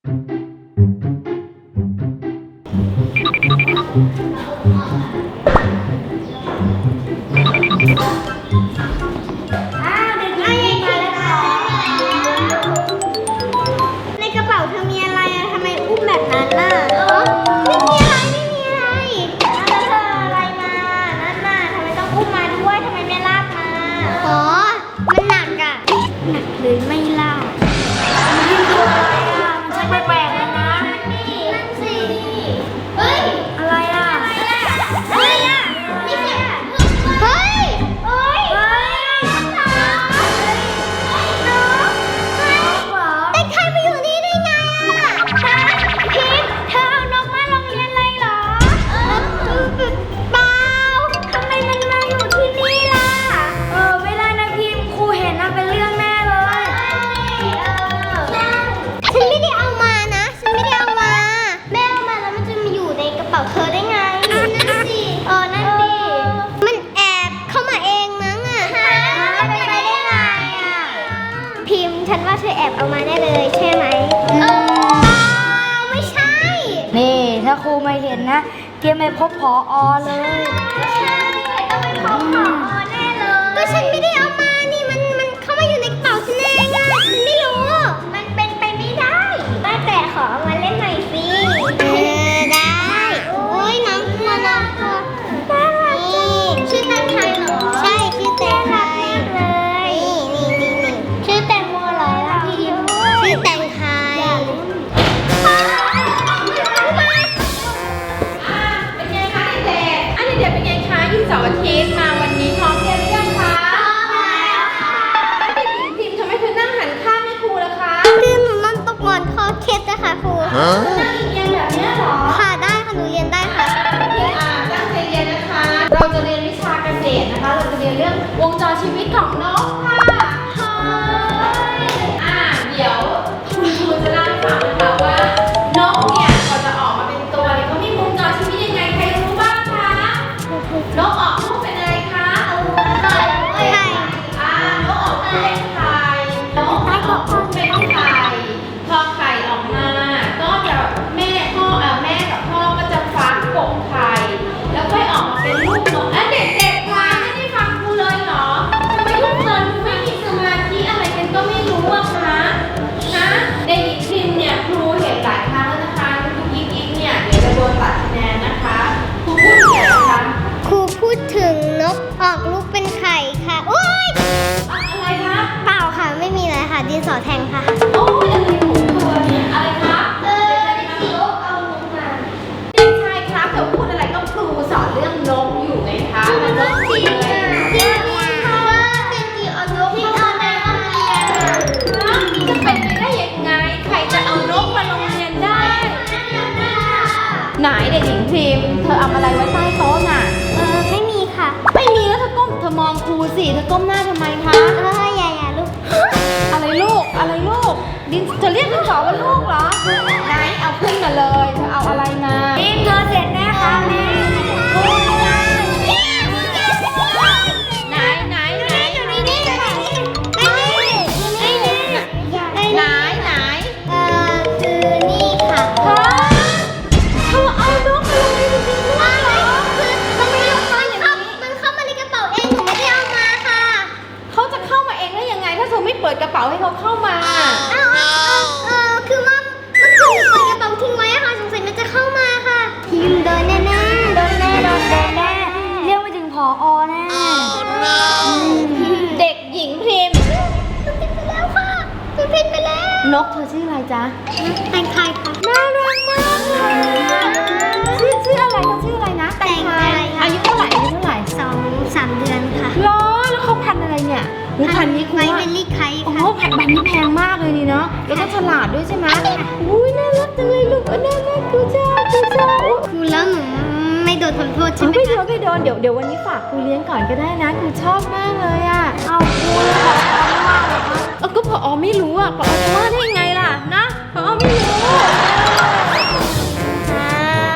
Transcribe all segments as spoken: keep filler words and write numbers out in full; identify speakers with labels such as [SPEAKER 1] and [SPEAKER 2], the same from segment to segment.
[SPEAKER 1] ในกระเป๋าเธอมีอะไรอะทำไมอุ้มแบบนั้นน่ะไม่มีอะไรไม่มีอะไรแล้วเธออะไรมานั่นน่ะทำไมต้องอุ้มมาด้วยทำไมไม่ลากมาอ๋อมันหนักอะหนักเลยไม่ลากมันคืออะไรอะมันจะแปลกๆนะนั่นสิเฮ้ยอะไรอะอะไรอะนี่เสียงเฮ้ยเฮ้ยเฮ้ยน้องแต่ใครมาอยู่นี่ได้ไงอะฮะพิมเธอเอานกมาโรงเรียนเลยเหรอเปล่าทำไมมันมาอยู่ที่นี่ล่ะเออไม่ได้นะพิมครูเห็นนะเป็นเรื่องแน่เลยฉันไม่ได้เอามานะฉันไม่ได้เอามาแม่เอามาแล้วมันจะมาอยู่ในกระเป๋าเธอได้ไงนั่นสิเออนั่นดิมันแอบเข้ามาเองมั้งอะฮะเป็นไปได้ไงอะพิมฉันว่าเธอแอบเอามาแน่เลยใช่ไหมเออไม่ใช่
[SPEAKER 2] นี่ถ้าครูไม่เห็นนะเตรียมไปพบผอเลย
[SPEAKER 1] ไม่ใช่ต้องเป็นของผอแน่เลยก็ฉันไม่ได้เอามานี่มันมันเข้ามาอยู่ในกระเป๋าฉันเองอะฉันไม่รู้มันเป็นไปไม่ได้ว่าแต่ขอเอามาเล่นหน่อยสิเออได้โอ้ยน้องกลัวน้องกลัวน่ารักจังชื่อแตงไทยเหรอใช่ชื่อแตงไทยเลยนี่นี่นี่นี่ชื่อแตงโมเหรอพี่ชื่อแตงไทย
[SPEAKER 3] เป็นไงคะเด็กๆอันนี้เด็กเป็นไงคะหยุดเสาร์อาทิตย์มาวันนี้พร้อมเรียนหรือยังคะเด็กหญิงพิมพ์ทำไมเธอนั่งหันข้างให้ครูล่ะคะ
[SPEAKER 1] คือหนูนอนตกหมอนคอเคล็ดนะคะครู
[SPEAKER 3] นั่งเอียงๆแบบเนี้ยเหรอ
[SPEAKER 1] ค่ะได้ค่ะหนูเรียนได้ค่ะ
[SPEAKER 3] พี่อ่าตั้งใจเรียนนะคะ เราจะเรียนวิชาเกษตรนะคะ เราจะเรียนเรื่องวงจรชีวิตของนกค่ะอ่าเดี๋ยวคุณครูจะเล่าให้ฟังนะคะว่านกเนี่ยกว่าจะออกมาเป็นตัวเนี่ยเขามีวงจรชีวิตยังไงใครรู้บ้างคะนกออกลูกเป็นอะไรคะไข่ไข่อ่านกออกลูกเป็นไข่นกออกลูกเป็นไข่พอไข่ออกมาก็จะแม่พ่อเอ่อแม่กับพ่อก็จะฟักกบไข่แล้วค่อยออกมาเป็นลูกนกอ่ะเด็กๆคะไม่ได้ฟังครูเลยเหรอทำไมทุกคนไม่มีสมาธิอะไรกันก็ไม่รู้อะคะนะเด็กหญิงพิมพ์เนี่ยครูเห็นหลายครั้งแล้วนะคะทุกยิกยิกเนี่ยเดี๋ยวจะโดนตัดคะแนนนะคะครูพูดถึงอะไรคะ
[SPEAKER 1] ครูพูดถึงนกออกลูกเป็นไข่ค่ะโอ๊ย
[SPEAKER 3] อะไรคะ
[SPEAKER 1] เปล่าค่ะไม่มีอะไรค่ะดินสอแทงค่ะ
[SPEAKER 3] โอ้ยอะไรของเธอเนี่ยอะไรคะ
[SPEAKER 1] เออที่นกเอานกมา
[SPEAKER 3] เด็กชายครับเดี๋ยวพูดอะไรก็ครูสอนเรื่องนกอยู่ไงคะมันนกจริงเลย
[SPEAKER 1] จริงค่ะว่าเป็นกี่เอานกที่เอาในห้องเรียนอะ
[SPEAKER 3] จะเป็นไปได้ยังไง ใครจะเอานกมาโรงเรียนได้ ไหนเด็กหญิงพิมพ์เธอเอาอะไรไว้ใต้โต๊ะน่ะ
[SPEAKER 1] เออไม่มีค่ะ
[SPEAKER 3] ไม่มีแล้วเธอก้มเธอมองครูสิเธอก้มหน้าทำไมคะ
[SPEAKER 1] เอออย่าอย่าลูก
[SPEAKER 3] อะไรลูก อะไรลูก ดินเธอเรียกดินสอว่าลูกเหรอ ไหนเอาขึ้นมาเลย เธอเอาอะไรมา
[SPEAKER 1] พิมเธอเสร็จแน่ค่ะแม่
[SPEAKER 3] ไหนไหนไหน
[SPEAKER 1] อยู่ในนี่ค่ะไม่นี่ไม่นี่ไม่
[SPEAKER 3] ไหน
[SPEAKER 1] นี่
[SPEAKER 3] ไหน
[SPEAKER 1] เอ่อคือนี่ค่ะ
[SPEAKER 3] ฮะเธอเอานกมาลงในจริงๆด้วยเหรอ
[SPEAKER 1] คือมันไม่มันเข้ามันเข้ามาในกระเป๋าเองหนูไม่ได้เอามาค่ะ
[SPEAKER 3] เขาจะเข้ามาเองได้ยังไง ถ้าเธอไม่เปิดกระเป๋าให้เขาเข้ามา
[SPEAKER 1] เอ้าเอ้าเอ้าเออคือว่าเมื่อคืนหนูเปิดกระเป๋าทิ้งไว้อะค่ะสงสัยมันจะเข้ามาค่ะพิมโดนแน่แน่โดนแน่โดนแน่แน่
[SPEAKER 2] เรียกไปถึงผอแน่
[SPEAKER 3] เด็กหญิงพิมพ์
[SPEAKER 1] มันผิดไปแล้วค่ะมันผิดไปแล้ว
[SPEAKER 3] นกเธอชื่ออะไรจ๊ะ
[SPEAKER 1] แต่งไทยค่ะ
[SPEAKER 3] น่ารักมากเลยชื่อชื่ออะไรเขาชื่ออะไรนะ
[SPEAKER 1] แต่งไทยค่ะ
[SPEAKER 3] อายุเท่าไหร่อายุเท่าไหร่
[SPEAKER 1] สองสามเดือนค่ะ
[SPEAKER 3] เหรอแล้วเขาพันธุ์อะไรเนี่ยอุ๊ยพันธุ์นี้คุณ
[SPEAKER 1] ไว้
[SPEAKER 3] ว่า
[SPEAKER 1] เป็นลี่ไค
[SPEAKER 3] โอ้โห
[SPEAKER 1] ค่ะ
[SPEAKER 3] พันธุ์นี้แพงมากเลยนี่เนาะแล้วก็ฉลาดด้วยใช่ไหมอุ้ยน่ารักจังเลยลูกเออน่ารักกูจ้ากูจ้า
[SPEAKER 1] ครูแล้วหนูไม่โดนทำโทษใช่
[SPEAKER 3] เอา
[SPEAKER 1] ไหม
[SPEAKER 3] ไม่โด
[SPEAKER 1] คะ
[SPEAKER 3] นไม่โดนเดี๋ยวเดี๋ยววันนี้ฝากครูเลี้ยงก่อนก็ได้นะครูชอบมากเลยอ่ะ
[SPEAKER 2] เอาครูเลยผอไม่ว่าเหรอคะ
[SPEAKER 3] เออก็พอไม่รู้อ่ะพอจะว่าได้ยังไงล่ะนะพอไม่รู้
[SPEAKER 1] อ้าว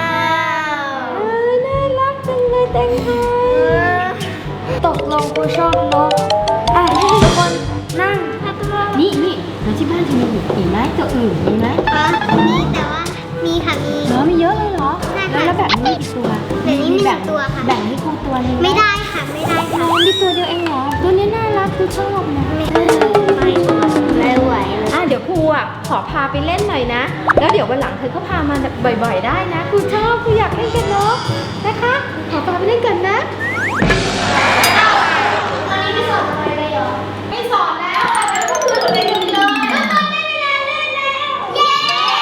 [SPEAKER 3] เออน่ารักจังเลยแตงไทย
[SPEAKER 2] ตกลงครูชอบนกอ่ะทุกคนนั่ง นี่นี่แล้วที่บ้านเธอมีอีกไหมตัวอื่นมีไหม
[SPEAKER 1] อ่ะตัวเดียวเองเหรอตัวนี้น่ารักครูชอบนะไม่ไม่ไม่ไหวเลย
[SPEAKER 3] อ่ะเดี๋ยวครูอ่ะขอพาไปเล่นหน่อยนะแล้วเดี๋ยววันหลังเธอก็พามาบ่อย ๆ ได้นะครูชอบครูอยากเล่นกับนกนะคะขอพาไปเล่นกันนะ
[SPEAKER 1] ตอนนี้ไม่สอนอะไรเลยเหรอ
[SPEAKER 3] ไม่สอนแล้วอ่ะแล้วก็คือเรียนกันเลย
[SPEAKER 1] เย้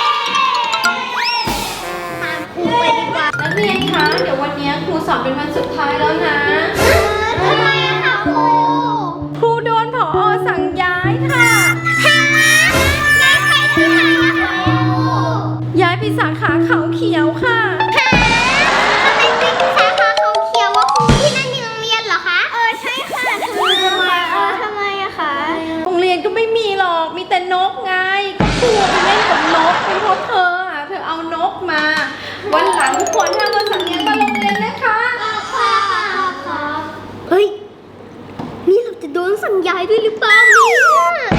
[SPEAKER 1] ตามครูไปดีกว่า
[SPEAKER 3] นักเรียนคะเดี๋ยววันนี้ครูสอนเป็นวันสุดท้ายแล้วนะ
[SPEAKER 1] ทำไมอะคะครู
[SPEAKER 3] ครูโดนผอสั่งย้ายค่ะ
[SPEAKER 1] ฮะย้ายใครที่ไหนอะคะครู
[SPEAKER 3] ย้ายไปสาขาเขาเขียวค่ะ
[SPEAKER 1] ฮะทำไมเป็นสาขาเขาเขียวว่าครูที่นั่นมีโรงเรียนเหรอคะ เออใช่ค่ะทำไมเออทำไมอะคะ
[SPEAKER 3] โรงเรียนก็ไม่มีหรอกมีแต่นกไงก็ครูไปเล่นกับนกเป็นเพราะเธออ่ะเธอเอานกมา วันหลังทุกคนห้ามมาสั่งเรียนมาโรงเรียนนะคะ
[SPEAKER 1] ค่ะค่ะเฮ้ย นี่เราจะโดนสั่งย้ายด้วยหรือเปล่าเนี่ย